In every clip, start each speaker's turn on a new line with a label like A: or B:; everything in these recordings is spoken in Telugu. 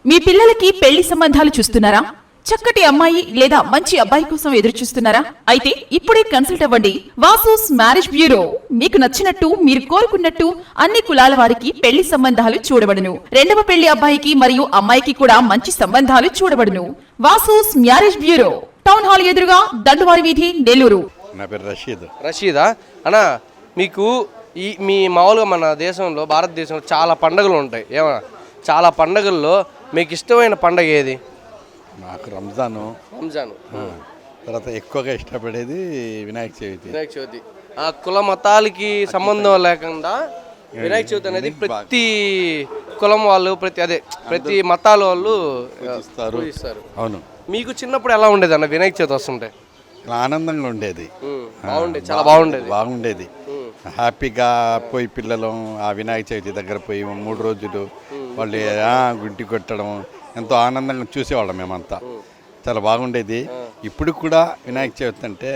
A: మీ పిల్లలకి పెళ్లి సంబంధాలు చూస్తున్నారా? చక్కటి అమ్మాయి లేదా మంచి అబ్బాయి కోసం ఎదురు చూస్తున్నారా? అయితే ఇప్పుడే కన్సల్ట్ అవ్వండి. Vasu's marriage bureau. మీకు నచ్చినట్టు మీరు కోరుకున్నట్టు అన్ని కులాల వారికి పెళ్లి సంబంధాలు చూడబడును. రెండవ పెళ్లి అబ్బాయికి మరియు అమ్మాయికి కూడా మంచి సంబంధాలు చూడబడును. Vasu's marriage bureau, town hall ఎదురుగా, దండువారి వీధి, నెల్లూరు.
B: నా పేరు
C: రషీదా అన్నా. మీకు మీ మామూలుగా మన దేశంలో, భారతదేశంలో చాలా పండుగలు ఉంటాయి. ఏమన్నా చాలా పండుగల్లో మీకు ఇష్టమైన పండుగ ఏది?
B: నాకు రంజాన్. తర్వాత ఎక్కువగా ఇష్టపడేది వినాయక చవితి.
C: ఆ కుల మతాలకి సంబంధం లేకుండా వినాయక చవితి అనేది ప్రతి కులం వాళ్ళు, ప్రతి మతాల వాళ్ళు పూజిస్తారు.
B: అవును.
C: మీకు చిన్నప్పుడు ఎలా ఉండేది అన్న వినాయక చవితి వస్తుంటే?
B: ఆనందంగా ఉండేది.
C: చాలా
B: బాగుండేది. హ్యాపీగా పోయి పిల్లలు ఆ వినాయక చవితి దగ్గర పోయి 3 రోజులు వాళ్ళు గుంటి కొట్టడం ఎంతో ఆనందంగా చూసేవాళ్ళం మేమంతా. చాలా బాగుండేది. ఇప్పుడు కూడా వినాయక చవితి అంటే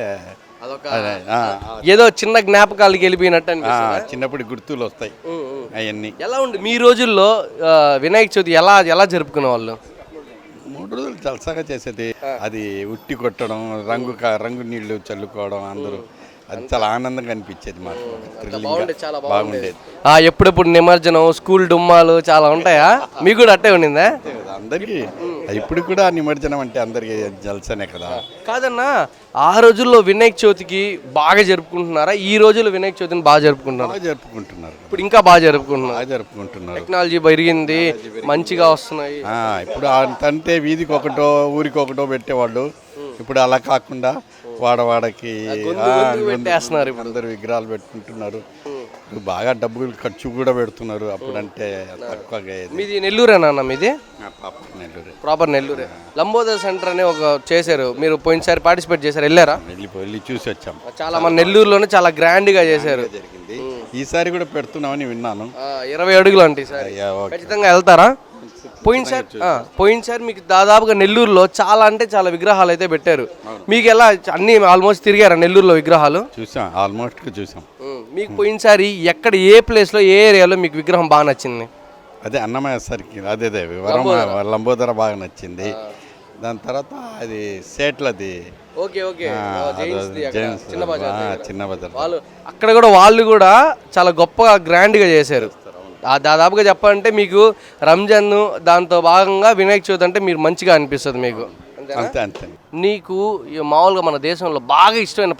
C: ఏదో చిన్న జ్ఞాపకాలకి వెళ్ళిపోయినట్టు
B: చిన్నప్పుడు గుర్తులు వస్తాయి అవన్నీ.
C: ఎలా ఉండే మీ రోజుల్లో వినాయక చవితి ఎలా జరుపుకునే వాళ్ళు?
B: 3 రోజులు జలసాగా చేసేది. అది ఉట్టి కొట్టడం, రంగు నీళ్లు చల్లుకోవడం, అందరూ అది చాలా ఆనందంగా అనిపించేది మాకు. బాగుండేది.
C: ఎప్పుడెప్పుడు నిమజ్జనం, స్కూల్ డుమ్మాలు చాలా ఉంటాయా? మీకు కూడా అట్టే ఉండిందా?
B: అందరికి ఇప్పుడు కూడా నిమజ్జనం అంటే అందరికి జలసనే కదా.
C: కాదన్నా, ఆ రోజుల్లో వినాయక చవితికి బాగా జరుపుకుంటున్నారా? ఈ రోజుల్లో వినాయక చవితిని బాగా జరుపుకుంటున్నారు. ఇప్పుడు ఇంకా బాగా జరుపుకుంటున్నారు. టెక్నాలజీ పెరిగింది, మంచిగా వస్తున్నాయి.
B: ఇప్పుడు అంటే వీధికి ఒకటో ఊరికి ఒకటో పెట్టేవాళ్ళు. ఇప్పుడు అలా కాకుండా వాడవాడకి
C: పెట్టేస్తున్నారు.
B: అందరు విగ్రహాలు పెట్టుకుంటున్నారు. బాగా డబ్బులు ఖర్చు కూడా పెడుతున్నారు. అప్పుడంటే తక్కువగా.
C: మీది నెల్లూరేనా? మీది ప్రాపర్ నెల్లూరే. లంబోదర సెంటర్ అని ఒక చేశారు, మీరు పోయినసారి పార్టిసిపేట్ చేశారు, వెళ్ళారా?
B: వెళ్ళి చూసి వచ్చాం.
C: చాలా మన నెల్లూరులోనే చాలా గ్రాండ్ గా చేశారు.
B: ఈసారి కూడా పెడుతున్నామని విన్నాను.
C: 20 అడుగులు అంటే ఖచ్చితంగా వెళ్తారా? పోయినసారి మీకు దాదాపుగా నెల్లూరులో చాలా విగ్రహాలు అయితే పెట్టారు. మీకు ఎలా అన్ని ఆల్మోస్ట్ తిరిగారా నెల్లూరులో విగ్రహాలు?
B: చూసాం.
C: మీకు పోయినసారి ఎక్కడ, ఏ ప్లేస్ లో, ఏ ఏరియాలో మీకు విగ్రహం బాగా నచ్చింది?
B: అదే అన్నమయ్య సరికి అదే లంబోదర బాగా నచ్చింది. దాని తర్వాత అది సేట్లది చిన్న బజార్
C: అక్కడ కూడా వాళ్ళు కూడా చాలా గొప్పగా గ్రాండ్ గా చేశారు. దాదాపుగా చెప్పాలంటే మీకు రంజాన్ దాంతో భాగంగా వినాయక చవితి అంటే మీరు మంచిగా అనిపిస్తుంది మీకు.
B: అంతే.
C: నీకు మామూలుగా మన దేశంలో బాగా ఇష్టమైన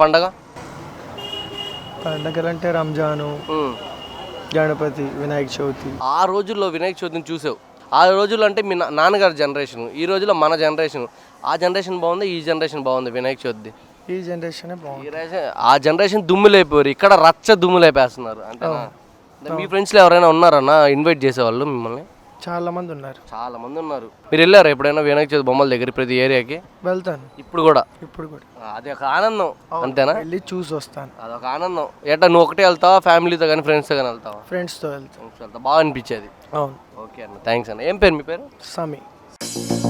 D: పండగలంటే రంజాను, గణపతి, వినాయక చవితి.
C: ఆ రోజుల్లో వినాయక చవితిని చూసావు. ఆ రోజుల్లో అంటే మీ నాన్నగారి జనరేషన్, ఈ రోజుల్లో మన జనరేషన్. ఆ జనరేషన్ బాగుంది, ఈ జనరేషన్ బాగుంది వినాయక చవితి?
D: ఈ జనరేషన్ బాగుంది.
C: ఆ జనరేషన్ దుమ్ములైపోయారు, ఇక్కడ రచ్చ దుమ్ములైపేస్తున్నారు. అంటే మీ ఫ్రెండ్స్లో ఎవరైనా ఉన్నారన్నా ఇన్వైట్ చేసేవాళ్ళు మిమ్మల్ని?
D: చాలా మంది ఉన్నారు.
C: మీరు వెళ్ళారా ఎప్పుడైనా వినాయక చవితి బొమ్మల దగ్గర ప్రతి ఏరియాకి?
D: వెళ్తాను.
C: ఇప్పుడు కూడా అది ఒక ఆనందం, అంతేనా?
D: వెళ్ళి చూసి వస్తాను.
C: అదొక ఆనందం. నువ్వు ఒకటే వెళ్తావా, ఫ్యామిలీతో కానీ ఫ్రెండ్స్తో కానీ వెళ్తావా?
D: ఫ్రెండ్స్తో వెళ్తాను.
C: బాగా అనిపించేది.
D: అవును.
C: ఓకే అన్న, థ్యాంక్స్ అన్న. ఏం పేరు మీ పేరు?
D: సమీ.